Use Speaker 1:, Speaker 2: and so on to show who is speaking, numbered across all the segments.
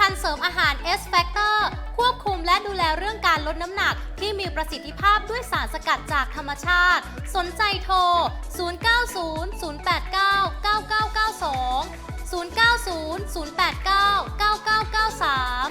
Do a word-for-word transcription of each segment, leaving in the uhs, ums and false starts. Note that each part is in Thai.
Speaker 1: ภัณฑ์เสริมอาหาร S Factor ควบคุมและดูแลเรื่องการลดน้ำหนักที่มีประสิทธิภาพด้วยสารสกัดจากธรรมชาติสนใจโทร ศูนย์ เก้า ศูนย์ ศูนย์ แปด เก้า เก้า เก้า เก้า สอง ศูนย์ เก้า ศูนย์ ศูนย์ แปด เก้า เก้า เก้า เก้า สาม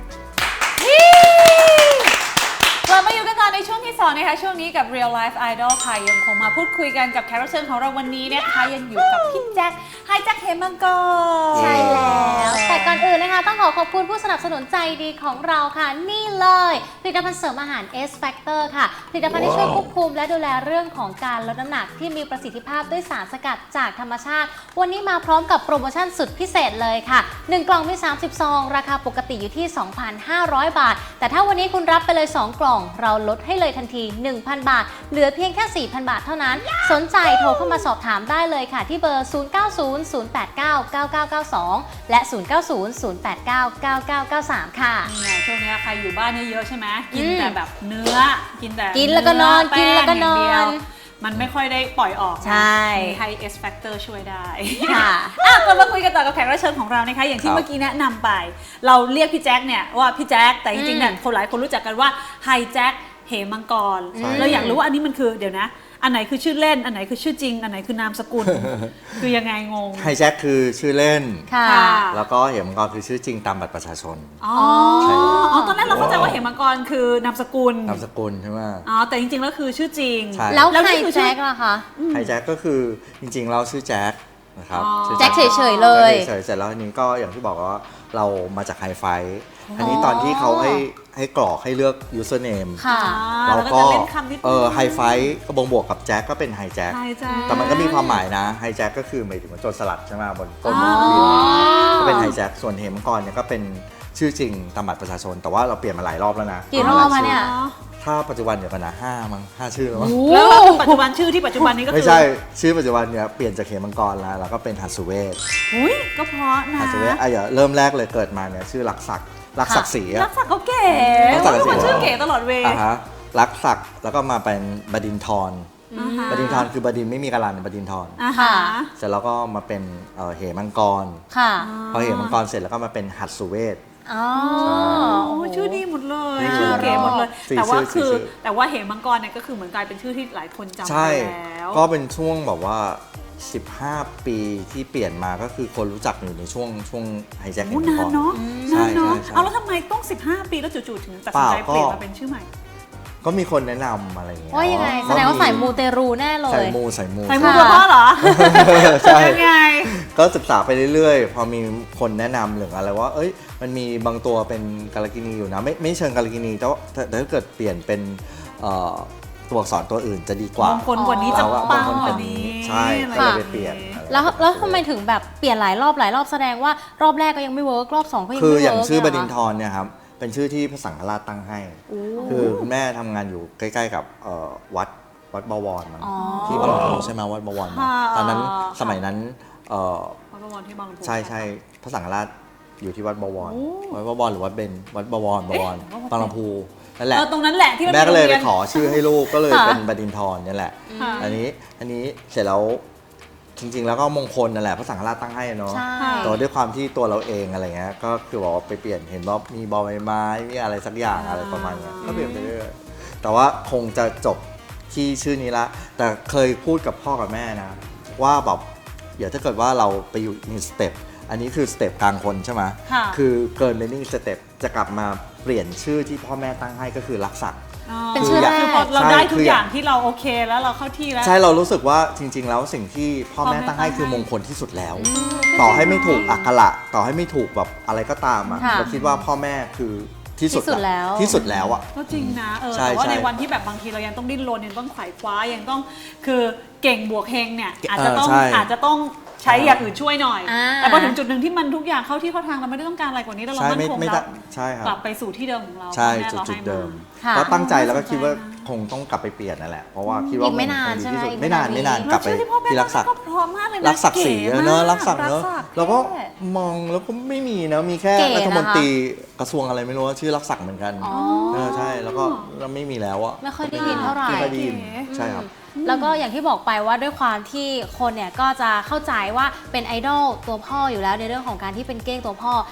Speaker 2: เรามาอยู่กันต่อในช่วงที่สองนะคะช่วงนี้กับ Real Life Idol ค่ะยังคงมาพูดคุยกันกับแขกรับเชิญของเราวันนี้นะคะยังอยู่กับพี่แจ็คไฮแจ็คเฮมังกร
Speaker 1: ใช่แล้วแต่ก่อนอื่นนะคะต้องขอขอบคุณผู้สนับสนุนใจดีของเราค่ะนี่เลยผลิตภัณฑ์เสริมอาหาร S Factor ค่ะผลิตภัณฑ์ที่ช่วยควบคุมและดูแลเรื่องของการลดน้ำหนักที่มีประสิทธิภาพด้วยสารสกัดจากธรรมชาติวันนี้มาพร้อมกับโปรโมชั่นสุดพิเศษเลยค่ะหนึ่งกล่องมีสามสิบซองราคาปกติอยู่ที่ สองพันห้าร้อย บาทแต่ถ้าวันนี้คุณรับไปเลยสองกล่องเราลดให้เลยทันที หนึ่งพัน บาทเหลือเพียงแค่ สี่พัน บาทเท่านั้นสนใจโทรเข้ามาสอบถามได้เลยค่ะที่เบอร์ ศูนย์ เก้า ศูนย์ ศูนย์ แปด เก้า เก้า เก้า เก้า สอง และ ศูนย์ เก้า ศูนย์ ศูนย์ แปด เก้า เก้า เก้า เก้า สาม ค่ะ
Speaker 2: เนี่ยช่วงนี้ใครอยู่บ้านเยอะๆใช่ไหมกินแต่แบบเนื้อกินแต่
Speaker 1: กินแล้วก็นอนกินแล้วก็นอน
Speaker 2: มันไม่ค่อยได้ปล่อยออก
Speaker 1: ใช่
Speaker 2: ให้ S Factor ช่วยได้ค่ะอ่ะกลับมาคุยกันต่อกับแขกรับเชิญของเรานะคะอย่างที่เมื่อกี้แนะนำไปเราเรียกพี่แจ็คเนี่ยว่าพี่แจ็คแต่จริงๆเนี่ยคนหลายคนรู้จักกันว่าไฮแจ็คเหมังกรเราอยากรู้ว่าอันนี้มันคือเดี๋ยวนะอันไหนคือชื่อเล่นอันไหนคือชื่อจริงอันไหนคือนามสกุล คือยังไงงง
Speaker 3: ไฮแจ็คคือชื่อเล่น
Speaker 1: ค่ะ
Speaker 3: แล้วก็เหมังกรคือชื่อจริงตามบัตรประชาชน
Speaker 2: อ๋ออ๋อตอนแรกเราเข้าใจว่าเหมังกรคือนามสกุล
Speaker 3: นามสกุลใช่ไหม
Speaker 2: อ๋อแต่จริงๆแล้วคือชื่อจริง
Speaker 1: แล้วไฮแจ็คล่ะคะ
Speaker 3: ไฮแจ็คก็คือจริงๆเราชื่อแจ็คนะครับ
Speaker 1: แจ็คเฉยๆเลย
Speaker 3: เฉยๆเสร็จแล้วอันนี้ก็อย่างที่บอกว่าเรามาจากไฮไฟอันนี้ตอนที่เขาให้ให้กรอกให้เลือก username เราก็เออไฮไฟก็บ่งบวกกับแจ็คก็เป็นไฮแจ็คแต่มันก็มีความหมายนะไฮแจ็คก็คือหมายถึงว่าโจรสลัดใช่ไหมบนต้นบินก็เป็นไฮแจ็คส่วนเหมังกรเนี่ยก็เป็นชื่อจริงตามบัตรประชาชนแต่ว่าเราเปลี่ยนมาหลายรอบแล้วนะ
Speaker 1: กี่รอบมาเนี่ย
Speaker 3: ถ้าปัจจุบันเดี๋ยวกันนะห้ามั้งห้าชื่อแล้วมั้ง
Speaker 2: แล้วปัจจุบันชื่อที่ปัจจุบันนี้ก็คือ
Speaker 3: ไม่ใช่ชื่อปัจจุบันเนี่ยเปลี่ยนจากเหมังกรแล้วแล้วก็เป็นหัสเวท
Speaker 2: อุ้ยก็เพราะนะ
Speaker 3: หัสเวทอ่ะอย่าเริ่มแรกเลยเกิดมาเนี่ยชื่อลักษักรักศักดิ์ศรี
Speaker 2: รักศักดิ์เขาเก๋รักศักดิ์เขาชื่อเก๋ตลอดเวลา
Speaker 3: รักศักดิ์แล้วก็มาเป็นบดินทรบดินทรคือบดินไม่มีกาลันบดินทรเสร็จแล้วก็มาเป็นเหมังกรพอเหมังกรเสร็จแล้วก็มาเป็นหัสเวท
Speaker 2: อ๋อชื่อดีหมดเลยชื่อเก๋หมดเลยแต่ว่าคือแต่ว่าเหมังกรเนี่ยก็คือเหมือนกลายเป็นชื่อที่หลายคนจำได้แล้ว
Speaker 3: ก็เป็นช่วงแบบว่าสิบห้าปีที่เปลี่ยนมาก็คือคนรู้จักอยู่ในช่วงช่วงไฮแจ็คเหมังกร
Speaker 2: นานเนาะนานเนาะเอาแล้วทำไมต้องสิบห้าปีแล้วจู่ๆถึงตัดสินใจเปลี่ยนมาเป็นชื่อใหม่
Speaker 3: ก็มีคนแนะนำอะไรอย่างเงี้ย
Speaker 1: ว่ายังไงแสดงว่าใส่มูเตรูแน่เลย
Speaker 3: ใส่มูใส่มู
Speaker 2: ใส่มูตัวพ่อเหรอใช่
Speaker 3: ยังไงก็ศึกษาไปเรื่อยๆพอมีคนแนะนำหรืออะไรว่าเอ้ยมันมีบางตัวเป็นกาลกินีอยู่นะไม่ไม่เชิงกาลกินีแต่ว่าถ้าเกิดเปลี่ยนเป็นตัวอักษรตัวอื่นจะดีกว่าม
Speaker 2: งคลกว่านี้จะปังกว่านี้
Speaker 3: ใช่ก็เลยไปเปลี่ยน
Speaker 1: แล้วแล้วทำไมถึงแบบเปลี่ยนหลายรอบหลายรอบแสดงว่ารอบแรกก็ยังไม่เวิร์กรอบสองก็ยังไม่เวิร์ก
Speaker 3: คืออย่างชื่อบดินทรเนี่ยครับเป็นชื่อที่พระสังฆราชตั้งให้คือคุณแม่ทำงานอยู่ใกล้ๆกับวัดวัดบวรมันที่บางลำพูใช่ไหมวัดบวรตอนนั้นสมัยนั้น
Speaker 2: วัดบวรที่บางลำพู
Speaker 3: ใช่ใช่พระสังฆราชอยู่ที่วัดบวรวัดบวรหรือวัดเบญวัดบวรบวรบางลำพูนั่นแหละ
Speaker 2: ตรงนั้นแหละที่
Speaker 3: แม่ก็เลยไปขอชื่อให้ลูกก็เลยเป็นบดินทรนี่แหละอันนี้อันนี้เสร็จแล้วจริงๆแล้วก็มงคลนั่นแหละพระสังฆราชตั้งให้เนาะแต่ด้วยความที่ตัวเราเองอะไรเงี้ยก็คือบอกว่าไปเปลี่ยนเห็นว่ามีบอใบไม้มีอะไรสักอย่างอะไรประมาณนี้ก็เปลี่ยนไปเรื่อยแต่ว่าคงจะจบที่ชื่อนี้ละแต่เคยพูดกับพ่อกับแม่นะว่าแบบเดี๋ยวถ้าเกิดว่าเราไปอยู่อีกสเต็ปอันนี้คือสเต็ปกลางคนใช่ไหมคือเกินไปนี่สเต็ปจะกลับมาเปลี่ยนชื่อที่พ่อแม่ตั้งให้ก็คือรักศักดิ์
Speaker 1: เป็นชื่อแรก
Speaker 2: เราได้ทุกอย่างที่เราโอเคแล้วเราเข้าที่แล้ว
Speaker 3: ใช่เรารู้สึกว่าจริงๆแล้วสิ่งที่พ่อแม่ตั้งให้คือมงคลที่สุดแล้วต่อให้ไม่ถูกอักขระต่อให้ไม่ถูกแบบอะไรก็ตามอ่ะเราคิดว่าพ่อแม่คือที่สุดแล้วที่สุดแล้วอ่ะ
Speaker 2: ก็จริงนะเออแต่ว่าในวันที่แบบบางทีเรายังต้องดิ้นรนยังต้องไขว่คว้ายังต้องคือเก่งบวกเฮงเนี่ยอาจจะต้องอาจจะต้องใช้อย่างอื่นช่วยหน่อยแต่พอถึงจุดหนึ่งที่มันทุกอย่างเข้าที่เข้าทางเราไม่ได้ต้องการอะไรกว่านี้แล้วเรามั่นคงแล้วกลับไปสู่ที่เดิมของเรา
Speaker 3: ใช่จุดเดิมก็ตั้งใจแล้วก็คิดว่าคงต้องกลับไปเปลี่ยนนั่นแหละเพราะว่าคิดว่า
Speaker 1: ไม่นานใช่ไหม
Speaker 3: ไม่นานไม่นานกลับไปที่รักศักดิ์รักศักดิ์ศรีเนอะรักศักดิ์เนอะแล้วก็มองแล้วก็ไม่มีนะมีแค่รัฐมนตรีกระทรวงอะไรไม่รู้ชื่อรักศักดิ์เหมือนกันเออใช่แล้วก็เราไม่มีแล้วอะ
Speaker 1: ไม่ค่อยได้ยินเท่าไหร่
Speaker 3: ไม่ค่อยได้ยินใช่ครับ
Speaker 1: แล้วก็อย่างที่บอกไปว่าด้วยความที่คนเนี่ยก็จะเข้าใจว่าเป็นไอดอลตัวพ่ออยู่แล้วในเรื่องของการที่เป็นเก้งตัวพ่อค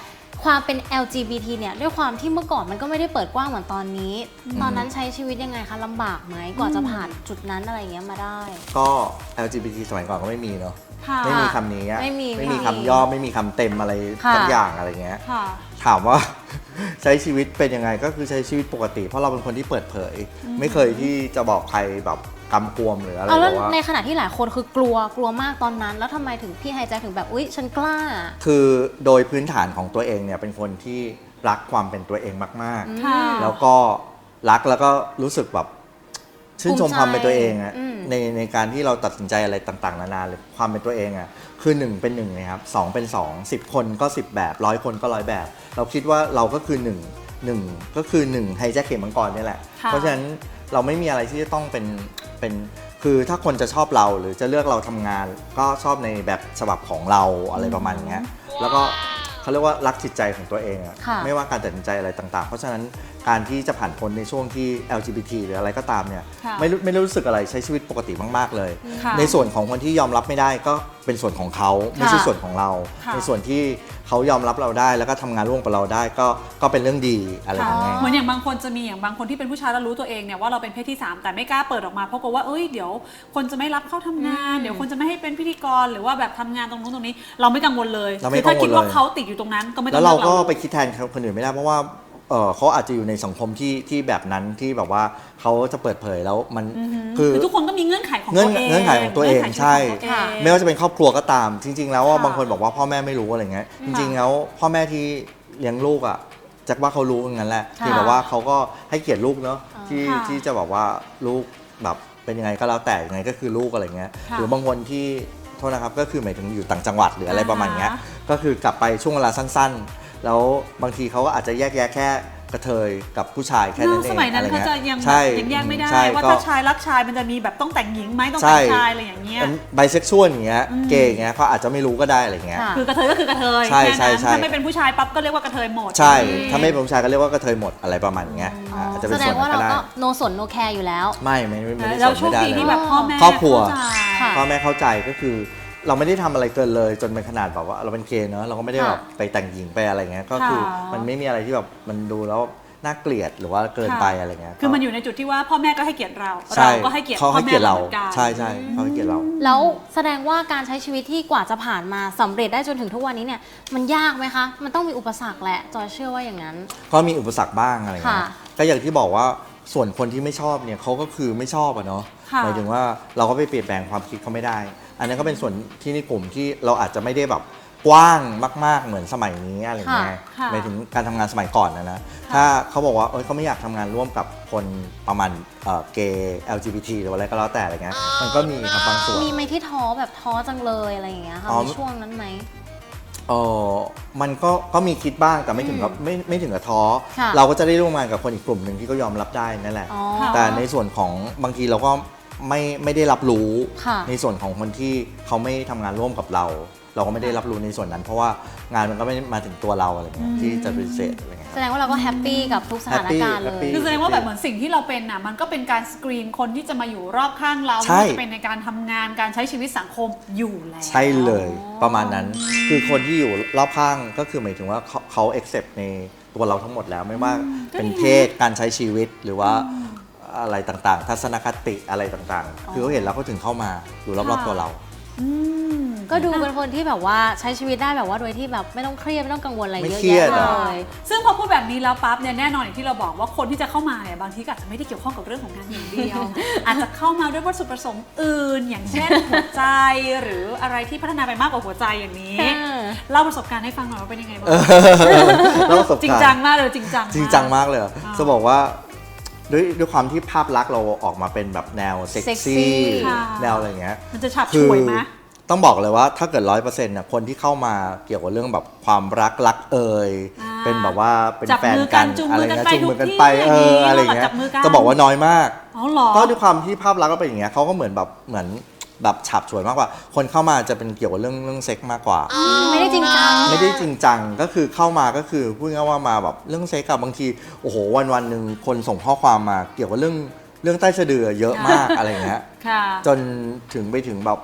Speaker 1: ความเป็น แอล จี บี ที เนี่ยด้วยความที่เมื่อก่อนมันก็ไม่ได้เปิดกว้างเหมือนตอนนี้ ตอนนั้นใช้ชีวิตยังไงคะลำบากไหมกว่าจะผ่านจุดนั้นอะไรอย่างเงี้ยมาได้
Speaker 3: ก็ แอล จี บี ที สมัยก่อนก็ไม่มีเนาะ
Speaker 2: ค่ะ
Speaker 3: ไม่มีคำนี้อะ
Speaker 1: ไม่มี
Speaker 3: ไม่มี
Speaker 1: ค่ะ
Speaker 3: คำย่อไม่มีคำเต็มอะไร
Speaker 1: ค่ะ
Speaker 3: สักอย่างอะไรเงี้ย
Speaker 2: ค่ะ
Speaker 3: ถามว่า ใช้ชีวิตเป็นยังไงก็คือใช้ชีวิตปกติ เพราะเราเป็นคนที่เปิดเผย ไม่เคยที่จะบอกใครแบบกำกวมหรืออะไร
Speaker 1: เอาแล้ว
Speaker 3: แบบว่า
Speaker 1: ในขณะที่หลายคนคือกลัวกลัวมากตอนนั้น แล้วทำไมถึงพี่ไฮแจ็คถึงแบบอุ๊ยฉันกล้า
Speaker 3: คือโดยพื้นฐานของตัวเองเนี่ยเป็นคนที่รักความเป็นตัวเองมาก
Speaker 2: ค่ะ
Speaker 3: ๆ แล้วก็รักแล้วก็รู้สึกแบบชื่นชม
Speaker 1: ภูมิใจ
Speaker 3: ความเป็นตัวเองอะ
Speaker 1: อืม
Speaker 3: ในในการที่เราตัดสินใจอะไรต่างๆนานาเลยความเป็นตัวเองอะคือหนึ่งเป็นหนึ่งนะครับสองเป็นสองสิบคนก็สิบแบบร้อยคนก็ร้อยแบบ เราคิดว่าเราก็คือหนึ่งหนึ่งก็คือหนึ่งไฮแจ็คเข็มมังกรนี่แหละ
Speaker 2: ค่ะ
Speaker 3: เพราะฉะนั้นเราไม่มีอะไรที่จะต้องเป็นเป็นคือถ้าคนจะชอบเราหรือจะเลือกเราทำงาน ก็ชอบในแบบฉบับของเราอะไรประมาณเนี้ยแล้วก็เขาเรียกว่ารักจิตใจของตัวเองอะ
Speaker 1: ค่ะ
Speaker 3: ไม่ว่าการตัดสินใจอะไรต่างๆ เพราะฉะนั้นการที่จะผ่านพ้นในช่วงที่ แอล จี บี ที หรืออะไรก็ตามเนี่ย
Speaker 2: ค่ะ
Speaker 3: ไม่รู้ไม่รู้สึกอะไรใช้ชีวิตปกติมากๆเลย
Speaker 2: ค่ะ
Speaker 3: ในส่วนของคนที่ยอมรับไม่ได้ก็เป็นส่วนของเขาไม่ใช่ส่วนของเรา
Speaker 2: ค่ะ
Speaker 3: ในส่วนที่เขายอมรับเราได้แล้วก็ทำงานร่วมกับเราได้ก็ก็เป็นเรื่องดีอะไรอย่างเงี้ย
Speaker 2: เหมือนอย่างบางคนจะมีอย่างบางคนที่เป็นผู้ชายแล้วรู้ตัวเองเนี่ยว่าเราเป็นเพศที่สามแต่ไม่กล้าเปิดออกมาเพราะกลัวว่าเอ้ยเดี๋ยวคนจะไม่รับเข้าทำงาน
Speaker 1: อืม
Speaker 2: เดี๋ยวคนจะไม่ให้เป็นพิธีกรหรือว่าแบบทำงานตรงนู้นตรงนี้ เราไม่กังวลเลย
Speaker 3: เราไม่
Speaker 2: คือถ้าคิดว่า
Speaker 3: กังวลเลย
Speaker 2: เขาติดอยู่ตรงนั้นก็ไม่ต้
Speaker 3: แล้
Speaker 2: อง
Speaker 3: วเรา
Speaker 2: ลือ
Speaker 3: ก็ไปคิดแทนคนอื่นไม่ได้เพราะว่าเออเขาอาจจะอยู่ในสังคมที่ที่แบบนั้นที่แบบว่าเขาจะเปิดเผยแล้วมัน
Speaker 2: อือหือ
Speaker 3: คือ
Speaker 2: คือทุกคนก็มีเงื่อนไขของ
Speaker 3: เงื่
Speaker 2: ตั
Speaker 3: อน
Speaker 2: วเอง
Speaker 3: เงื่อนไขของตัวเอง
Speaker 2: งื่นไข
Speaker 3: ใช่
Speaker 2: ของตัวเอง
Speaker 3: ไม่ว่าจะเป็นครอบครัวก็ตาม จริง ๆ แล้วว่า
Speaker 2: ค่ะ
Speaker 3: บางคนบอกว่าพ่อแม่ไม่รู้อะไรเงี้ยจริง ๆ แล้วพ่อแม่ที่เลี้ยงลูกอ่ะจักว่าเขารู้อย่างนั้นแหละ
Speaker 1: ค่ะ
Speaker 3: ที่แบบว่าเขาก็ให้เกียรติลูกเนาะที่
Speaker 2: ค่ะ
Speaker 3: ที่จะบอกว่าลูกแบบเป็นยังไงก็แล้วแต่ยังไงก็คือลูกอะไรเงี้ย
Speaker 2: ค่ะ
Speaker 3: หรือบางคนที่โทษนะครับก็คือหมายถึงอยู่ต่างจังหวัดหรืออะไรประมาณเนี้ย
Speaker 2: อ่าฮะ
Speaker 3: ก็คือกลับไปช่วงเวลาสั้นๆ แล้วบางทีเขาก็อาจจะแยกแยะแค่กระเทยกับผู้ชายแค่นั้นเอง
Speaker 2: สมัยนั้น
Speaker 3: อะไร
Speaker 2: เขา
Speaker 3: เงี้ย
Speaker 2: จะยัง
Speaker 3: ใช่
Speaker 2: ยังแยกไม่ได้
Speaker 3: ใช่
Speaker 2: ว่า
Speaker 3: ก็
Speaker 2: ถ้าชายรักชายมันจะมีแบบต้องแต่งหญิงไหมต้อง
Speaker 3: ใช่
Speaker 2: แต่งชายอะไรอย่างเงี้ย
Speaker 3: ไบเซ็กชวลอย่างเงี้ยเกย์อย่างเงี้ยเขาอาจจะไม่รู้ก็ได้อะไรเงี้ย
Speaker 1: ค่ะ
Speaker 2: คือกระเทยก็คือกระเทย
Speaker 3: ใช่
Speaker 2: แค่นั้น
Speaker 3: ใช่ใช่
Speaker 2: ถ้าไม่เป็นผู้ชายปั๊บก็เรียกว่ากระเทยหมด
Speaker 3: ใช่
Speaker 2: อืม
Speaker 3: ถ้าไม่เป็นผู้ชายก็เรียกว่ากระเทยหมดอะไรประมาณเงี้ย
Speaker 1: อ๋อ
Speaker 3: อาจจะเป็
Speaker 1: แส
Speaker 3: น
Speaker 1: ด
Speaker 3: ส่ว
Speaker 1: ง
Speaker 3: น
Speaker 1: ว่า
Speaker 3: นั้น
Speaker 1: เรา
Speaker 3: ก็ได้
Speaker 1: ก็โนสนโนแคร์อยู่แล้ว
Speaker 3: ไม่ไม่ไม่ไม่ได้
Speaker 2: เรา
Speaker 3: สน
Speaker 2: โช
Speaker 3: ไม่
Speaker 2: ค
Speaker 3: ได้
Speaker 2: ดี
Speaker 3: เลย
Speaker 2: ที่แบบพ่อแม่
Speaker 3: ครอบครัว
Speaker 2: เข้าใจ
Speaker 1: ค่ะ
Speaker 3: พ่อแม่เข้าใจก็คือ เราไม่ได้ทำอะไรเกินเลยจนเป็นขนาดแบบว่าเราเป็นเกย์เนอะเราก็ไม่ได้แบบไปแต่งหญิงไปอะไรเงี้ยก็คือ
Speaker 2: ค่ะ
Speaker 3: มันไม่มีอะไรที่แบบมันดูแล้วน่าเกลียดหรือว่าเกินไปอะไรเงี้ย
Speaker 2: คือมันอยู่ในจุดที่ว่าพ่อแม่ก็ให้เกียรติเรา
Speaker 3: ใช่
Speaker 2: เราก็ให้เกียรติ
Speaker 3: เขา
Speaker 2: พ่อ
Speaker 3: ให้
Speaker 2: แม่
Speaker 3: เกียรติเรา
Speaker 2: เหมือนกัน
Speaker 3: ใช่ใช่เขาให้เกียรติเรา
Speaker 1: แล้วแสดงว่าการใช้ชีวิตที่กว่าจะผ่านมาสำเร็จได้จนถึงทุกวันนี้เนี่ยมันยากไหมคะ มันต้องมีอุปสรรคแหละจอยเชื่อว่าอย่างนั้น
Speaker 3: ก็มีอุปสรรคบ้างอะไรเงี้ย
Speaker 1: ค่ะ
Speaker 3: ก็อย่างที่บอกว่าส่วนคนที่ไม่ชอบเนี่ยเขาก็คือไม่ชอบอะเนาะ
Speaker 2: ค่ะ
Speaker 3: หมายถึงว่าเราก็ไปเปลี่ยนแปลงความคิดเขาไม่ได้ อันนั้นก็เป็นส่วนที่ในกลุ่มที่เราอาจจะไม่ได้แบบกว้างมาก ๆเหมือนสมัยนี้อะไรเงี้ย
Speaker 2: ค่ะ
Speaker 3: หมายถึงการทำงานสมัยก่อนนะนะถ้าเขาบอกว่าเอ้ยเขาไม่อยากทำงานร่วมกับคนประมาณเอ่อเกย์ แอล จี บี ที หรืออะไรก็แล้วแต่อะไรเงี้ยมันก็มีครับบางส่วน
Speaker 1: มีไหมที่ท้อแบบท้อจังเลยอะไรอย่างเงี้ยค่ะ
Speaker 3: อ๋อ
Speaker 1: ในช่วงนั้นไหม
Speaker 3: เออมันก็ก็มีคิดบ้างแต่ไม่ถึงกับไม่ไม่ถึงกับท้อ
Speaker 1: ค่ะ
Speaker 3: เราก็จะได้ร่วมงานกับคนอีกกลุ่มหนึ่งที่ก็ยอมรับได้นั่นแหละ
Speaker 1: อ๋อ
Speaker 3: แต่ในส่วนของบางทีเราก็ไม่ไม่ได้รับรู้
Speaker 1: ค่ะ
Speaker 3: ในส่วนของคนที่เขาไม่ทำงานร่วมกับเรา เราก็ไม่ได้รับรู้ในส่วนนั้น เพราะว่างานมันก็ไม่มาถึงตัวเราอะไรเงี้ยที่จะปฏิเสธอะไรเงี้ย
Speaker 1: แสดงว่าเราก็แฮปปี้กับทุกสถานการณ์เล
Speaker 3: แฮปปี้
Speaker 1: ย
Speaker 2: คือแสดงว่าแบบเหมือนสิ่งที่เราเป็นน่ะมันก็เป็นการสกรีนคนที่จะมาอยู่รอบข้างเรา
Speaker 3: ใช่
Speaker 2: ไม่ว่าจะเป็นในการทำงานการใช้ชีวิตสังคมอยู่แล้ว
Speaker 3: ใช่เลยประมาณนั้น คือคนที่อยู่รอบข้างก็คือหมายถึงว่าเขาเขา accept ในตัวเราทั้งหมดแล้วไม่ว่าเป็นเพศการใช้ชีวิตหรือว่าอะไรต่างๆ ทัศนคติอะไรต่างๆ คือเขาเห็นแล้วเขาถึงเข้ามาอยู่รอบๆตัวเรา
Speaker 2: อืม
Speaker 1: ก็ดูเป็นคนที่แบบว่าใช้ชีวิตได้แบบว่าโดยที่แบบไม่ต้องเครียดไม่ต้องกังวลอะไร
Speaker 3: ไม่
Speaker 1: เยอะ
Speaker 3: เครีย
Speaker 1: แยะ
Speaker 3: ด
Speaker 1: เล
Speaker 3: อะ
Speaker 1: ย
Speaker 2: ซึ่งพอพูดแบบนี้แล้วปั๊บเนี่ยแน่นอนอย่างที่เราบอกว่าคนที่จะเข้ามาเนี่ยบางทีก็อาจจะไม่ได้เกี่ยวข้องกับเรื่องของงานอย่างเดียว อาจจะเข้ามาด้วยวัตถุประสงค์อื่น อย่างเช่นหัวใจหรืออะไรที่พัฒนาไปมากกว่าหัวใจอย่างนี้
Speaker 1: เออ
Speaker 2: เล่าประสบการณ์ให้ฟังหน่อยว่าเป็นยังไงบ้าง
Speaker 3: แล้วประสบ
Speaker 2: จริง
Speaker 3: การ
Speaker 2: จัง
Speaker 3: ณ์
Speaker 2: มากเลยจริงจัง
Speaker 3: จริงจังมากเลยอะ
Speaker 2: อ่า
Speaker 3: จะบอกว่าด้วยด้วยความที่ภาพลักษณ์เราออกมาเป็นแบบแนวเซ็ก
Speaker 1: เซ็กซี่
Speaker 3: ซี่
Speaker 2: ค่ะ
Speaker 3: แนวอะไรอย่างเงี้ย
Speaker 2: มันจะฉับ
Speaker 3: คื
Speaker 2: ฉวยไหม
Speaker 3: ต้องบอกเลยว่าถ้าเกิดร้อยเปอร์เซ็นต์เนี่ยคนที่เข้ามาเกี่ยวกับเรื่องแบบความรักรักเอ่ย
Speaker 2: อ่า
Speaker 3: เป็นแบบว่าเป็น
Speaker 2: จับ
Speaker 3: แฟน
Speaker 2: มือกั
Speaker 3: กัน
Speaker 2: นจูง
Speaker 3: อะไร
Speaker 2: มือกัน
Speaker 3: เงี้ย
Speaker 2: ไป
Speaker 3: จูงมือกัน
Speaker 2: ทุก
Speaker 3: ไป
Speaker 2: ที่
Speaker 3: เออ
Speaker 2: อ
Speaker 3: อะไร
Speaker 2: ย่างนี้
Speaker 3: เงี้
Speaker 2: จั
Speaker 3: ย
Speaker 2: บมือกัน
Speaker 3: จะบอกว่าน้อยมาก
Speaker 2: อ๋อเหรอ
Speaker 3: ก็ด้วยความที่ภาพลักษณ์ก็เป็นอย่างเงี้ยเขาก็เหมือนแบบเหมือนแบบฉับฉวยมากกว่า คนเข้ามาจะเป็นเกี่ยวกับเรื่องเรื่องเซ็กมากกว่า
Speaker 1: ไม่ได้จริงจัง
Speaker 3: ไม่ได้จริงจังก็คือเข้ามาก็คือพูดง่ายๆว่ามาแบบเรื่องเซ็กกับบางทีโอ้โหวันวันๆหนึ่งคนส่งข้อความมาเกี่ยวกับเรื่องเรื่องใต้สะดือเยอะมาก อะไรเงี้ย
Speaker 2: ค่ะ
Speaker 3: จนถึงไปถึงแบบ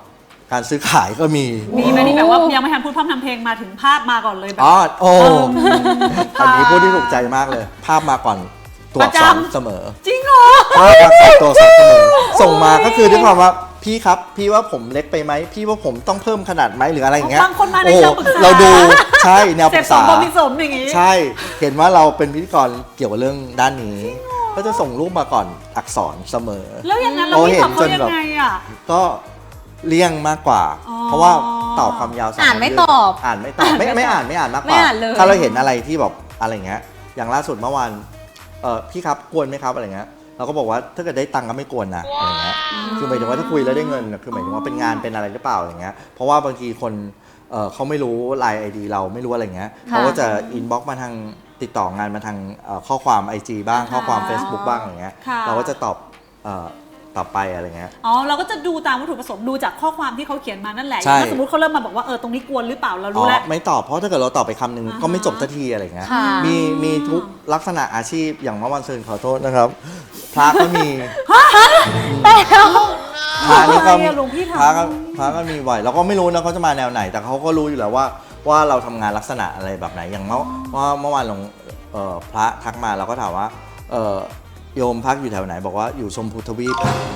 Speaker 3: การซื้อขายก็มี
Speaker 2: มีไหมที่แบบว่ายังไม่ทันพูดพร่ำทำเพลงมาถึงภาพมาก่อนเลยแบบ
Speaker 3: อ๋อโอ้อันนี้พูดที่ถูกใจมากเลย ภาพมาก่อนตัวอักษรเสมอ
Speaker 2: จริงเหรอ
Speaker 3: ภาพมาก่อนตัวอักษรเสมอส่งมาก็คือด้วยความว่าพี่ครับพี่ว่าผมเล็กไปไหมพี่ว่าผมต้องเพิ่มขนาดไหมหรืออะไรอย่างเงี้ย
Speaker 2: บางคนมาใน
Speaker 3: โอ้
Speaker 2: เชิงปรึกษา
Speaker 3: เราดูใช่แนวป
Speaker 2: เส
Speaker 3: รึ
Speaker 2: พ
Speaker 3: ก
Speaker 2: สม
Speaker 3: ษา
Speaker 2: บมิสมอย่างงี้
Speaker 3: ใช่เห็นว่าเราเป็นพิธีกรเกี่ยวกับเรื่องด้านนี้ ก็จะส่งรูปมาก่อนอักษรเสมอ
Speaker 2: แล้วอย่างนั้นเรา
Speaker 3: โอ้
Speaker 2: พี่
Speaker 3: เห็
Speaker 2: ตอน บเขา
Speaker 3: จน
Speaker 2: ยัง
Speaker 3: แบบ
Speaker 2: ไงอ่ะ
Speaker 3: ก็เลี่ยงมากกว่า
Speaker 2: อ๋อ
Speaker 3: เพราะว่าตอบความยาวส
Speaker 1: อ่านไม่
Speaker 3: คำยืด
Speaker 1: ตอบ
Speaker 3: อ่านไม่ตอบไม่ไม่อ่านไม่อ่านมากก
Speaker 1: ไม่
Speaker 3: ว่า
Speaker 1: อ่านเลย
Speaker 3: ถ้าเราเห็นอะไรที่แบบอะไรเงี้ยอย่างล่าสุดเมื่อวานเออพี่ครับกวนไหมครับอะไรเงี้ยเราก็บอกว่าถ้าเกิดได้ตังค์ก็ไม่กวนนะอะไรเงี้ยคือหมายถึงว่าถ้าคุยแล้วได้เงินน่ะคือหมายถึงว่าเป็นงานเป็นอะไรหรือเปล่าอย่างเงี้ยเพราะว่าบางทีคนเออเขาไม่รู้ไลน์ไอดีเราไม่รู้อะไรเงี้ยเขาก็จะอินบ็อกซ์มาทางติดต่องานมาทางเอ่อข้อความ ไอ จี บ้างข้อความ Facebook บ้างอะไรเงี้ย
Speaker 2: ค่ะ
Speaker 3: เราก็จะตอบเอ่อตอบไปอะไรเงี้ย
Speaker 2: อ๋อเราก็จะดูตามวัตถุประสงค์ดูจากข้อความที่เขาเขียนมานั่นแหละ
Speaker 3: ใช่
Speaker 2: ถ้าสมมติเขาเริ่มมาบอกว่าเออตรงนี้กวนหรือเปล่าเรา
Speaker 3: อ๋
Speaker 2: รู้
Speaker 3: อ
Speaker 2: แล้ว
Speaker 3: ไม่ตอบเพราะถ้าเกิดเราตอบไปคำหนึ่ง
Speaker 2: อ่าฮะ
Speaker 3: ก็ไม่จบสักทีอะไรเงี้ย
Speaker 1: ค่ะ
Speaker 3: มีมีทุกลักษณะอาชีพอย่างเมื่อวันซืนขอโทษนะครับ พระก็มีพระนี่ก็
Speaker 2: ทำไมอะหลวงพี่ทำ
Speaker 3: พระก็พระก็มีไหวเราก็ไม่รู้นะเขาจะมาแนวไหน แต่เขาก็รู้อยู่แล้วว่าว่าเราทำงานลักษณะอะไรแบบไหนอย่างเมื่อว่าเมื่อวานหลวงเอ่อพระทักมาเราก็ถามว่าเอ่อโยมพักอยู่แถวไหนบอกว่าอยู่ชมพูทวีป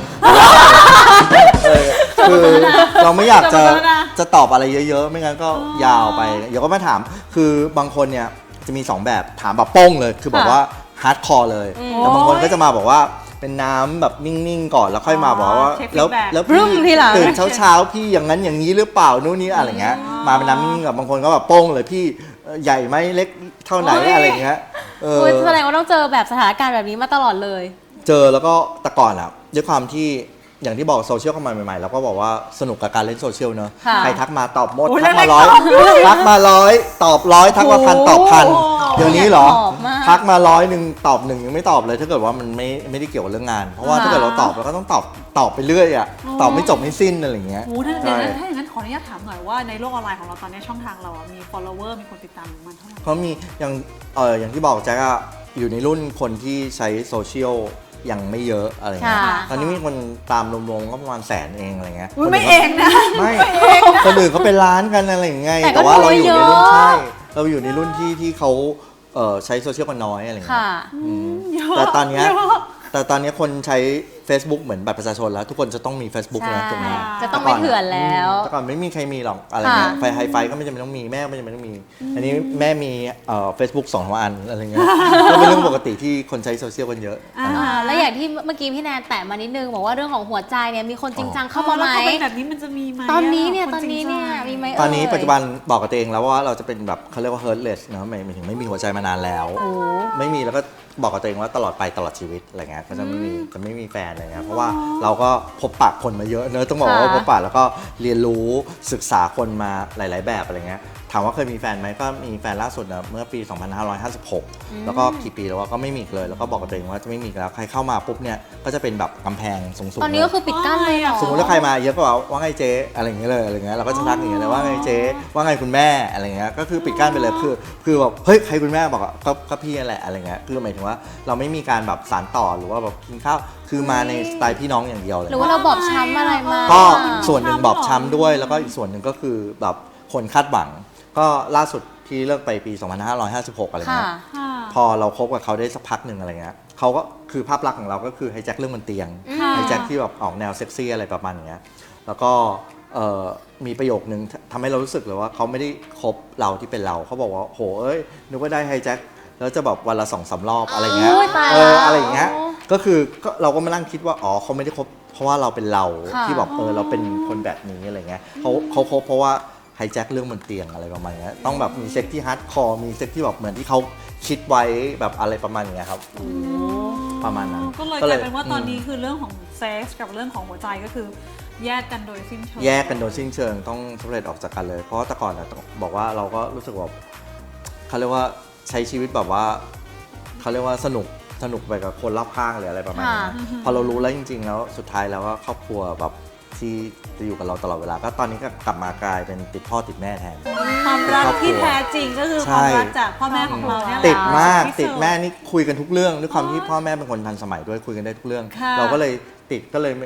Speaker 3: เออคือเราไม่อยากจะ
Speaker 2: จำไว้แล้วนะ
Speaker 3: จะตอบอะไรเยอะๆ ไม่งั้นก็ยาวไป เดี๋ยวก็มาถาม คือบางคนเนี่ยจะมี สอง แบบถามแบบโป้งเลย คือแบบว่าฮาร์ดคอร์เลย แต่บางคนก็จะมาบอกว่าเป็นน้ำแบบนิ่งๆ ก่อนแล้วค่อยมาบอกว่า
Speaker 2: เช็ค
Speaker 3: แล้ว
Speaker 2: feedback
Speaker 3: แล้ว
Speaker 1: บรึ้
Speaker 3: พี่
Speaker 1: มทีหลัง
Speaker 3: ตื่นเช้าๆ พี่อย่างนั้นอย่างนี้หรือเปล่านู่นนี่อะไรเงี้ย มาเป็นน้ำนิ่งๆกับบางคนก็แบบโป้งเลยพี่เอ่อใหญ่ไหมเล็กเท่าไหน
Speaker 2: โอ้ย
Speaker 3: อะไรเงี้ยเออ
Speaker 1: โอ้ยแสดงว่าต้องเจอแบบสถานการณ์แบบนี้มาตลอดเลย
Speaker 3: เจอแล้วก็แต่ก่อนอ่ะด้วยความที่อย่างที่บอกโซเชียลเข้ามาใหม่ๆเราก็บอกว่าสนุกกับการเล่นโซเชียลเนอะ
Speaker 1: ค่ะ
Speaker 3: ใครทักมาตอบหมด
Speaker 2: โอ้ย
Speaker 3: ทักมา
Speaker 2: แร
Speaker 3: ร้อย
Speaker 2: กๆตอบด้วย
Speaker 3: ทักมาร้อยตอบร้อยทักมาพันตอบพัน
Speaker 2: โอ้โห
Speaker 3: เดี๋ยวนี้เหรอ
Speaker 1: ตอบมาก
Speaker 3: ทักมาร้อยหนึ่งตอบหนึ่งยังไม่ตอบเลยถ้าเกิดว่ามันไม่ไม่ได้เกี่ยวกับเรื่องงาน เพราะว่า
Speaker 1: ค่ะ
Speaker 3: ถ้าเกิดเราตอบเราก็ต้องตอบตอบไปเรื่อยอ่ะตอบไม่จบไม่สิ้นอะไรอย่างเงี้ย
Speaker 2: โอ้ถ้าอ
Speaker 3: ใช่
Speaker 2: ย่างนั้นถ้าอย่างนั้นขออนุญาตถามหน่อยว่าในโลกออนไลน์ของเราตอนนี้ช่องทางเราอะมี follower มีคนติดตามมันเท่าไหร่
Speaker 3: เขามีอย่างเอออย่างที่บอกแจ๊กอะอยู่ในรุ่นคนที่ใช้โซเชียลยังไม่เยอะอะไรเงี้ย
Speaker 1: ค่ะ
Speaker 3: ตอนนี้มีคนตามรวมๆก็ประมาณแสนเองอะไรเงี้ย
Speaker 2: อุ๊ย
Speaker 3: คน
Speaker 2: ไม่
Speaker 3: อื่น
Speaker 2: เองนะ
Speaker 3: ไม่คนอื่นเขาเป็นร้านกันอะไรอย่างเงี้ย
Speaker 1: แต่ก็
Speaker 3: แต่ว่าเราอยู่ในรุ่น
Speaker 1: เยอะ
Speaker 3: ใช่เราอยู่ในรุ่นที่ที่เขาเอ่อใช้โซเชียลกันน้อยอะไรเงี้
Speaker 1: ค่ะ
Speaker 3: ยอืม
Speaker 2: เยอะ
Speaker 3: แต่ตอนเนี้ย
Speaker 2: เยอะ
Speaker 3: แต่ตอนเนี้ยคนใช้ Facebook เหมือนบัตรประชาชนแล้ว ทุกคนจะต้องมี Facebook นะถูกไหม
Speaker 1: จะต้องไม่เถื่อนแล้ว
Speaker 3: แต่ก่อนไม่มีใครมีหรอกอะไรเงี้ย
Speaker 1: ค่ะ
Speaker 3: ไฟไฮไฟก็ไม่จำเป็นต้องมีแม่ก็ไม่จำเป็นต้องมี อันนี้แม่มีเอ่อเฟซบุ๊กสองอันอะไรเงี้ย ก็เป็นเรื่องปกติที่คนใช้โซเชียลกันเยอะ
Speaker 2: อ่า
Speaker 1: อ่าแล้วอย่างที่เมื่อกี้พี่แนนแตะมานิดนึงบอกว่าเรื่องของหัวใจเนี่ยมีคนจริงจังเข้ามาไหม
Speaker 2: แล้วพอเป็นแบบนี้มันจะมีไหม
Speaker 1: ตอนนี้เนี่ย
Speaker 2: ค
Speaker 1: ตอนนี้เนี่ย
Speaker 2: จริงจัง
Speaker 1: มีไหม
Speaker 3: ตอนนี้
Speaker 1: เย
Speaker 3: ปัจจุบันบอกกับตัวเองแล้วว่าเราจะเป็นแบบเขาเรียกว่า heartless เนอะหมายหมายถึงไม่มีหัวใจมานานแล้ว
Speaker 1: โอ้
Speaker 3: ไม่มีแล้วก็บอกกับตัวเองว่าตลอดไปตลอดชีวิตอะไรเงี้ยก็จะไม่มีจะไม่มีแฟนอะไรเงี้ยเพราะว่าเราก็พบปะคนมาเยอะเนอะต้องบอกว่า
Speaker 1: ค่ะ
Speaker 3: พบปะแล้วก็เรียนรู้ศึกษาคนมาหลาย ๆ แบบอะไรเงี้ยถามว่าเคยมีแฟนไหมก็มีแฟนล่าสุดนะเมื่อปี สองพันห้าร้อยห้าสิบหก แล้วก็กี่ปีแล้วว่าก็ไม่มีอีกเลย แล้วก็บอกกับตัวเองว่าจะไม่มีอีกแล้วใครเข้ามาปุ๊บเนี่ยก็จะเป็นแบบกำแพงสูงๆ
Speaker 1: ตอนนี้ก็คือปิดกั้นเลยเหรอ
Speaker 3: สมมติว่าใครมาเยอะก็บอกว่าไงเจ๊อะไรอย่างเงี้ยเลยอะไรเงี้ยเราก็จะทักอย่างเงี้ยเลยว่าไงเจ๊ว่าไงคุณแม่อะไรเงี้ยก็คือปิดกั้นไปเลยคือคือแบบเฮ้ยใครคุณแม่บอกว่าก็ก็พี่นั่นแหละอะไรเงี้ยคือหมายถึงว่าเราไม่มีการแบบสานต่อหรือว่าแบบกินข้าวคือมาในสไตล์พี่น้องอย่างเดียวเลย
Speaker 1: หรือว่าเราบอบช้ำอะไรมา
Speaker 3: ก็ส่วนหนึ่งบอบช้ำด้วย แล้วก็อีกส่วนหนึ่งก็คือแบบคนคาดหวัง ก็ล่าสุดที่เลิกไปปี สองพันห้าร้อยห้าสิบหก อะไร
Speaker 1: ค่ะ
Speaker 3: เงี้ย
Speaker 2: ค่ะ
Speaker 3: พอเราคบกับเขาได้สักพักหนึ่งอะไรเงี้ยเขาก็คือภาพลักษณ์ของเราก็คือไฮแจ็คเรื่องบนเตียง
Speaker 2: ค่ะ
Speaker 3: ไฮแจ็คที่แบบออกแนวเซ็กซี่อะไรประมาณอย่างเงี้ยแล้วก็เอ่อมีประโยคนึงทำให้เรารู้สึกเลยว่าเขาไม่ได้คบเราที่เป็นเราเขาบอกว่าโหเอ้ยนึกว่าได้ไฮแจ็คแล้วจะแบบวันละสองสามรอบอะไรเงี้ย
Speaker 1: โอ้ยตาย
Speaker 3: เอ
Speaker 1: แล้ว
Speaker 3: ออะไรอย่างเงี้ยก็คือก็เราก็มานั่งคิดว่าอ๋อเขาไม่ได้คบเพราะว่าเราเป็นเรา
Speaker 1: ค่ะ
Speaker 3: ที่แบบเออเราเป็นคนแบบนี้อะไรเงี้ยเขาเขาคบเพราะว่าไฮแจ็คเรื่องบนเตียงอะไรประมาณเนี้ยต้องแบบมีเซ็กที่ฮาร์ดคอร์มีเซ็กที่แบบเหมือนที่เขาคิดไว้แบบอะไรประมาณอย่างเงี้ยครับประมาณนั้น
Speaker 2: ก็เลยกลายเป็นว่าตอนนี้คือเรื่องของเซ็กส์กับเรื่องของหัวใจก็คือแยกกันโดยสิ้นเชิง
Speaker 3: แยกกันโดยสิ้นเชิงต้องสำเร็จออกจากกันเลย เพราะว่าแต่ก่อนอะต้องบอกว่าเราก็รู้สึกว่าเขาเรียกว่าใช้ชีวิตแบบว่าเขาเรียกว่าสนุกสนุกไปกับคนรอบข้างหรืออะไรประมาณนี้
Speaker 1: ค่ะ
Speaker 3: พอเรารู้แล้วจริง ๆ แล้วสุดท้ายแล้วก็ครอบครัวแบบที่จะอยู่กับเราตลอดเวลาก็ตอนนี้ก็กลับมากลายเป็นติดพ่อติดแม่แทน
Speaker 2: ความรักที่แท้จริงก็คือความรักจากพ่อแม่ของเราเนี่ยแหละ
Speaker 3: ติดมาก
Speaker 2: ที่สุ
Speaker 3: ติดแม่นี่คุยกันทุกเรื่องด้วยความที่พ่อแม่เป็นคนทันสมัยด้วยคุยกันได้ทุกเรื่อง
Speaker 2: ค่ะ
Speaker 3: เราก็เลยติดก็เลยไม่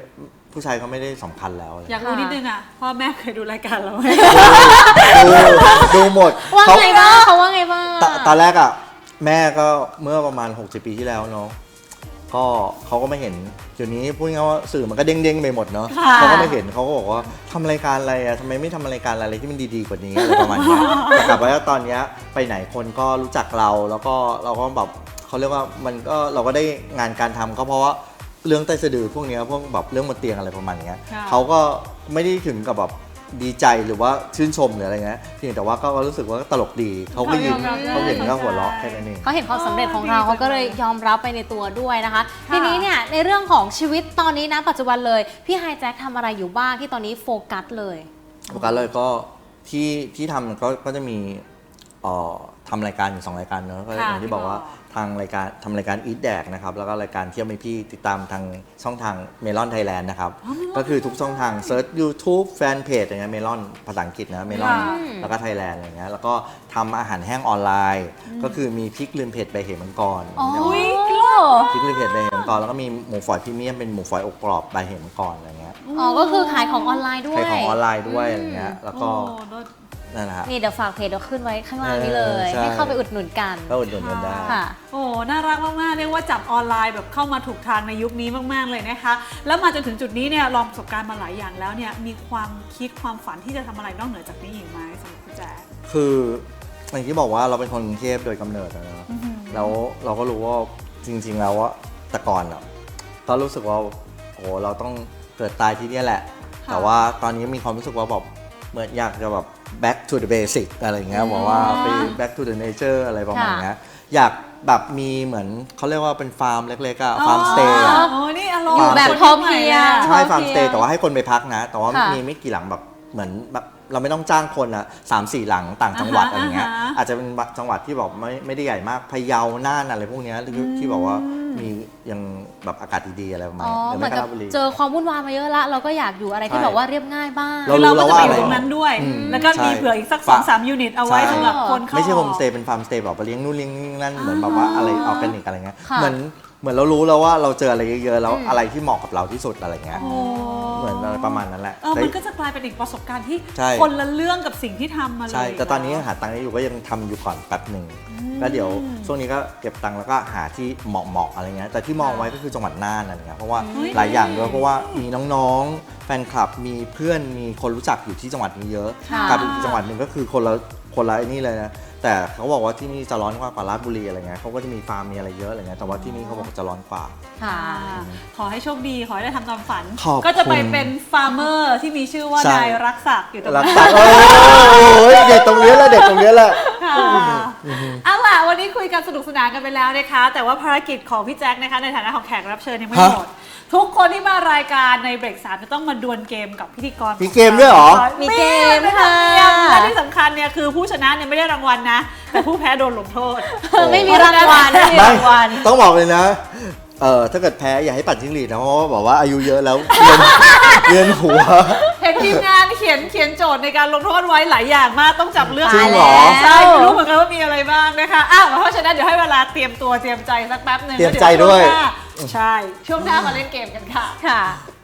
Speaker 3: ผู้ชายก็ไม่ได้สำคัญแล้วอะไร
Speaker 2: อยากรู้นิดนึงอ่ะพ่อแม่เคยดูรายการเราไหม
Speaker 3: ดูดูหมด
Speaker 1: ว่า
Speaker 3: เขา
Speaker 1: ไงบ้างเขาว่าไงบ้าง
Speaker 3: ตตอนแรกอ่ะแม่ก็เมื่อประมาณหกสิบปีที่แล้วเนาะก็เขาก็ไม่เห็นเดี๋ยวนี้พูดง่ายๆว่าสื่อมันก็เด้งๆไปหมดเนาะ
Speaker 2: ค่ะ
Speaker 3: เขาก็ไม่เห็นเขาก็บอกว่าทำรายการอะไรอ่ะทำไมไม่ทำรายการอะไรที่มันดีๆกว่านี้อะไรประมาณเนี้ยแต่กลับไปว่าตอนเนี้ยไปไหนคนก็รู้จักเราแล้วก็เราก็แบบเขาเรียกว่ามันก็เราก็ได้งานการทำก็เพราะว่าเรื่องใต้สะดือพวกเนี้ยพวกแบบเรื่องบนเตียงอะไรประมาณเนี้ย
Speaker 2: ค่ะ
Speaker 3: เขาก็ไม่ได้ถึงกับแบบดีใจหรือว่าชื่นชมหรืออะไรเงี้ยเพียงแต่ว่าก็รู้สึกว่าตลกดีเขาก็ยิ้ม
Speaker 2: เขายอมรับได้
Speaker 3: เขาเห็นก็หัวเราะแค่นั้นเอง
Speaker 1: เขาเห็นความสำเร็จของเรา
Speaker 2: อ๋อ
Speaker 1: เขาก็เลยยอมรับไปในตัวด้วยนะคะ ทีนี้เนี่ยในเรื่องของชีวิตตอนนี้นะปัจจุบันเลยพี่ไฮแจ็คทำอะไรอยู่บ้างที่ตอนนี้โฟกัสเลย
Speaker 3: โฟกัสเลยก็ที่ที่ทำก็ก็จะมีเอ่อทำรายการอยู่สองรายการเนอะก็อย่างที่บอกว่าทางรายการทำรายการอีทแดกนะครับแล้วก็รายการเที่ยวไม่พี่ติดตามทางช่องทางเมลอนไทยแลนด์นะครับก็คือทุกช่องทางเซิร์ช YouTube แฟนเพจอย่างเงี้ยเมลอนภาษาอังกฤษนะเมลอน
Speaker 2: ค่ะ
Speaker 3: แล้วก็ไทยแลนด์อะไรเงี้ยแล้วก็ทำอาหารแห้งออนไลน์ ก็คือมีพริกลืมเผ็ดใบเหมังกร
Speaker 1: อ๋อ
Speaker 2: อุ้ย
Speaker 3: พริกลืมเผ็ดใบเหมังกรแล้วก็มีหมูฝอยพรีเมียมเป็นหมูฝอยอบกรอบใบเหมังกรอะไรเงี้ย
Speaker 1: อ๋อก็คือขายของออนไลน์ด้ว
Speaker 3: ขาย
Speaker 1: ย
Speaker 3: ของออนไลน์ด้วยอะไรเงี้ยแล้วก็
Speaker 2: โอ้เลิศ
Speaker 3: นั่นแหละฮะ
Speaker 1: นี่เดี๋ยวฝากเพจเดี๋ยวขึ้นไว้ข้างล่างนี้เลย
Speaker 3: เออใช่
Speaker 1: ให้เข้าไปอุดหนุนกัน
Speaker 3: ก็อุดหนุนกันได้
Speaker 1: ค่ะ
Speaker 2: โอ้น่ารักมากๆเรียกว่าจับออนไลน์แบบเข้ามาถูกทางในยุคนี้มากๆเลยนะคะ แล้วมาจนถึงจุดนี้เนี่ยลองประสบการณ์มาหลายอย่างแล้วเนี่ยมีความคิดความฝันที่จะทำอะไรนอกเหนือจากนี้อีกไหมสำหรับพี่แจ๊ค
Speaker 3: คืออย่างที่บอกว่าเราเป็นคนกรุงเทพโดยกำเนิดอะนะแล้วเราก็รู้ว่าจริง ๆ แล้วว่าแต่ก่อนอ่ะก็รู้สึกว่าโอ้เราต้องเกิดตายที่เนี่ยแหละ
Speaker 2: ค่ะ
Speaker 3: แต่ว่าตอนนี้มีความรู้สึกว่าแบบเหมือนอยากจะแบบ back to the basic อะไรอย่างเงี้ยบอกว่าไป back to the nature อะไรประมาณเนี้ยอยากแบบมีเหมือนเขาเรียกว่าเป็นฟาร์มเล็กๆอะฟาร์มสเตย์อะ
Speaker 2: โอ้นี่อารมณ์
Speaker 1: อยู่แบบพอเพียง
Speaker 3: ใช่
Speaker 1: พอเพียง
Speaker 3: ฟาร์มสเตย์แต่ว่าให้คนไปพักนะ แต่ว่า
Speaker 1: ค่ะ
Speaker 3: มีไม่กี่หลังแบบเหมือนแบบเราไม่ต้องจ้างคนอ่ะสามสี่หลังต่างจังหวัด
Speaker 2: อ่าฮะ
Speaker 3: อะไรเงี้ย
Speaker 2: อ่าฮะ
Speaker 3: อาจจะเป็นจังหวัดที่แบบไม่ไม่ได้ใหญ่มากพะเยาน่านอะไรพวกเนี้ยที่ที่บอกว่ามียังแบบอากาศดีๆอะไรประมาณ
Speaker 1: อ๋อ
Speaker 3: นี้หรือ
Speaker 1: เหมื
Speaker 3: ไม่
Speaker 1: อน
Speaker 3: ก็
Speaker 1: กับ
Speaker 3: ราชบุรี
Speaker 1: เจอความวุ่นวายมาเยอะละเราก็อยากอยู่อะไรที่
Speaker 3: ใช่
Speaker 1: แบบว่าเรียบง่ายบ้าง
Speaker 3: เรา
Speaker 2: คือเราก็จะไปอ
Speaker 3: รู้
Speaker 2: ยู่
Speaker 3: แล้วว่า
Speaker 2: ตรงนั้นด้วย
Speaker 3: อืม
Speaker 2: แล้วก็มี
Speaker 3: ใช่
Speaker 2: เผื่ออีกสัก
Speaker 3: ฝา
Speaker 2: สองสามยูนิตเอาไว้
Speaker 3: ใช่
Speaker 2: สำหรับคนเข้า
Speaker 3: ไม่ใช่
Speaker 2: อ
Speaker 3: โฮ
Speaker 2: อก
Speaker 3: มสเตย์เป็นฟาร์มสเตย์แบบไปเลี้ยงนู่นเลี้ยงนี่นั่นเหมือนแบบว่าอะไรออร์แกนิกอะไรเงี้ย
Speaker 1: ค่ะ
Speaker 3: เหมือนเหมือนเรารู้แล้วว่าเราเจออะไรเยอะๆแล้ว
Speaker 1: อืม
Speaker 3: อะไรที่เหมาะกับเราที่สุดอะไรเงี้ย
Speaker 2: โอ้
Speaker 3: เหมือนอะไรประมาณนั้นแหละ
Speaker 2: เออมันก็จะกลายเป็นอีกประสบการณ์ที่
Speaker 3: ใช่
Speaker 2: คนละเรื่องกับสิ่งที่ทำมาเลย
Speaker 3: ใช่ แต่ตอนนี้หาตังค์ได้อยู่ก็ยังทำอยู่ก่อนแป๊บหนึ่งแล้วเดี๋ยวช่วงนี้ก็เก็บตังค์แล้วก็หาที่เหมาะๆอะไรเงี้ย แต่ที่มองไว้ก็คือจังหวัดน่านอะไรเงี้ย เพราะว่า
Speaker 2: เฮ้ย
Speaker 3: หลายอย่างด้วย เพราะว่ามีน้องๆ แฟนคลับ มีเพื่อน มีคนรู้จักอยู่ที่จังหวัดนี้เยอะ
Speaker 1: ค่ะ
Speaker 3: กับอีกจังหวัดหนึ่งก็คือคนละคนละไอ้นี่เลยนะ แต่เขาบอกว่าที่นี่จะร้อนกว่าราชบุรีอะไรเงี้ยเขาก็จะมีฟาร์มมีอะไรเยอะอะไรเงี้ย แต่ว่าที่นี่เขาบอกจะร้อนกว่า
Speaker 1: ค่ะ
Speaker 2: ขอให้โชคดี ขอให้ได้ทำตามฝัน
Speaker 3: ขอบคุณ
Speaker 2: ก็จะไปเป็นฟาร์มเมอร์ที่มีชื่อว่า
Speaker 3: ใช่
Speaker 2: นายรักศักดิ์อยู่ตรง
Speaker 3: รั
Speaker 2: นั้
Speaker 3: ก
Speaker 2: น
Speaker 3: ษาโอ้ยเด็กตรงนี้แหละเด็กตรงนี้แหละ
Speaker 2: ค่ะเอาล่ะวันนี้คุยกันสนุกสนานกันไปแล้วนะคะ แต่ว่าภารกิจของพี่แจ็คนะคะในฐานะของแขกรับเชิญยังไม่
Speaker 3: ฮะ
Speaker 2: หมด ทุกคนที่มารายการในเบรกสามจะต้องมาดวลเกมกับพิธีกร
Speaker 3: มีเกมด้วยเหรอ
Speaker 1: มีเกม
Speaker 2: ไม่
Speaker 1: ค่ะ
Speaker 2: ทำเกมและที่สำคัญเนี่ยคือผู้ชนะเนี่ยไม่ได้รางวัลนะ แต่ผู้แพ้โดนลงโทษ
Speaker 1: ไม่มีรางวัลไม่มี
Speaker 3: ไม่
Speaker 1: รางวัล
Speaker 3: ต้องบอกเลยนะ เออถ้าเกิดแพ้อย่าให้ปั่นจิ้งหรีดนะ เพราะว่าบอกว่าอายุเยอะแล้วเรียนเรียนหัว
Speaker 2: เห็นทีมงานเขียนเขียนโจทย์ในการลงโทษไว้หลายอย่างมากต้องจับเลือก
Speaker 3: จริงเหรอ
Speaker 2: ใช่ไม่รู้เหมือนกันว่ามีอะไรบ้างนะคะอ้าวเพราะฉะนั้นเดี๋ยวให้เวลาเตรียมตัวเตรียมใจสักแป๊บหนึ่ง
Speaker 3: เตรียมใจด้วย
Speaker 2: แล้เช่วงหน้าใช่ช่วงหน้ามาเล่นเกมกันค่ะ
Speaker 1: ค่ะ